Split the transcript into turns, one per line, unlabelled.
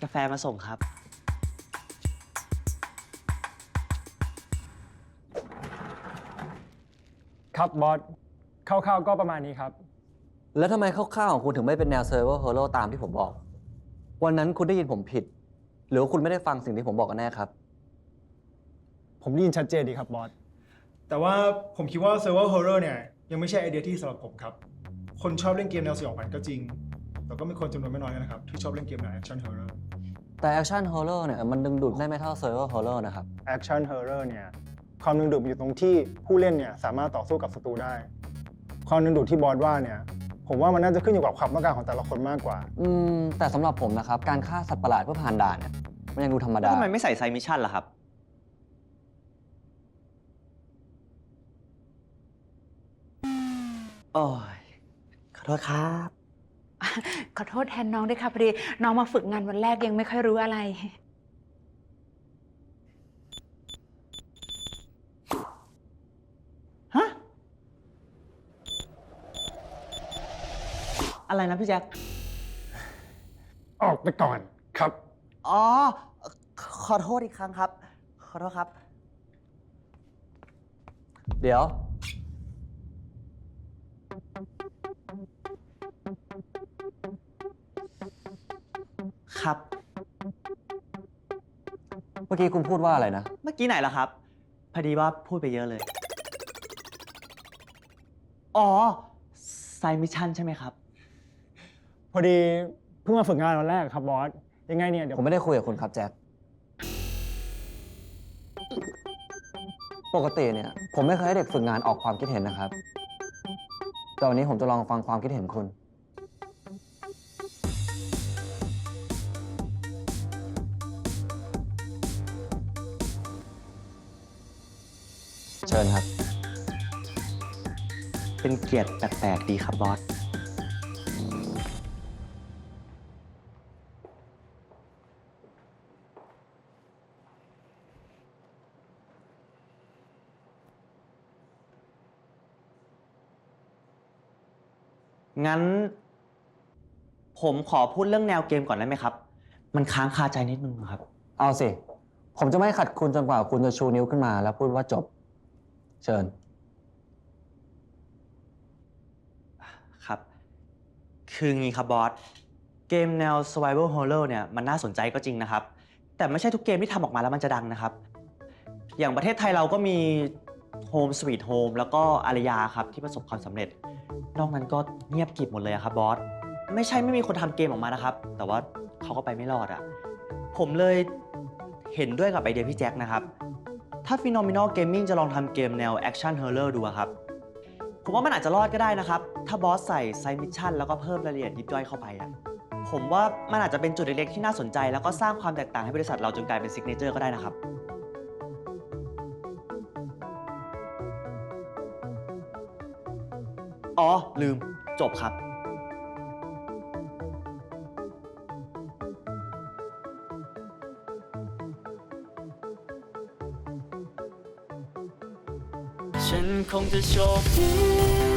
กาแฟมาส่งครับ
ครับบอสคร่าวๆก็ประมาณนี้ครับ
แล้วทำไมคร่าวๆของคุณถึงไม่เป็นแนว Survival Horror ตามที่ผมบอก วันนั้นคุณได้ยินผมผิด หรือว่าคุณไม่ได้ฟังสิ่งที่ผมบอกกันแน่ครับ
ผมได้ยินชัดเจนดีครับบอสแต่ว่าผมคิดว่า Survival Horror เนี่ยยังไม่ใช่ไอเดียที่สำหรับผมครับคนชอบเล่นเกมแนวสยองขวัญก็จริงแต่ก็มีคนจำนวนไม่น้อยนะครับที่ชอบเล่นเกมแนว Action Horror
แต่ Action Horror เนี่ยมันดึงดูดได้ไม่เท่า Survival Horror นะครับ
Action Horror เนี่ยความดึงดูดอยู่ตรงที่ผู้เล่นเนี่ยสามารถต่อสู้กับศัตรูได้ความดึงดูดที่บอสว่าเนี่ยผมว่ามันน่าจะขึ้นอยู่กับความต้องการของแต่ละคนมากกว่า
แต่สำหรับผมนะครับ การฆ่าสัตว์ประหลาดเพื่อผ่านด่านเนี่ยมันยังดูธรรม
แล้ว
ดา
ทำไมไม่ใส่ไซมิชชั่นล่ะครับ โอ้ย ขอโทษครับ
ขอโทษแทนน้องด้วยค่ะพอดีน้องมาฝึกงานวันแรกยังไม่ค่อยรู้อะไร
ฮะ อะไรนะพี่แจ็ค
ออกไปก่อนครับ
อ๋อ ขอโทษอีกครั้งครับ ขอโทษครับ
เดี๋ยว
ครับ
เมื่อกี้คุณพูดว่าอะไรนะ
เมื่อกี้ไหนล่ะครับ พอดีว่าพูดไปเยอะเลย อ๋อ ไซมิชชั่นใช่ไหมครับ
พอดีเพิ่งมาฝึกงานวันแรกครับบอสยังไงเนี่ยเดี๋ยว
ผมไม่ได้คุยกับคุณครับแจ็ค ปกติเนี่ยผมไม่เคยให้เด็กฝึกงานออกความคิดเห็นนะครับ แต่วันนี้ผมจะลองฟังความคิดเห็นคุณ เชิญครับ
เป็นเกียรติแปลกๆดีครับบอส งั้น ผมขอพูดเรื่องแนวเกมก่อนได้ไหมครับ มันค้างคาใจนิดนึงครับ
เอาสิ ผมจะไม่ขัดคุณจนกว่าคุณจะชูนิ้วขึ้นมาแล้วพูดว่าจบ เชิญ
ครับ คืองี้ครับบอส เกมแนว Survival Horror เนี่ยมันน่าสนใจก็จริงนะครับ แต่ไม่ใช่ทุกเกมที่ทำออกมาแล้วมันจะดังนะครับ อย่างประเทศไทยเราก็มี Home Sweet Home แล้วก็อารยาครับที่ประสบความสำเร็จ นอกนั้นก็เงียบกริบหมดเลยอะครับบอส ไม่ใช่ไม่มีคนทำเกมออกมานะครับ แต่ว่าเขาก็ไปไม่รอดอะผมเลยเห็นด้วยกับไอเดียพี่แจ็คนะครับ ถ้า Phenomenal Gaming จะลองทำเกมแนว Action Horror ดูอะครับ ผมว่ามันอาจจะรอดก็ได้นะครับ ถ้าบอสใส่ไซมิชชั่นแล้วก็เพิ่มรายละเอียดยิบย่อยเข้าไปอะผมว่ามันอาจจะเป็นจุดเล็กๆที่น่าสนใจแล้วก็สร้างความแตกต่างให้บริษัทเราจนกลายเป็นซิกเนเจอร์ก็ได้นะครับ อ๋อ ลืม จบครับ
ฉันคงจะโชคดี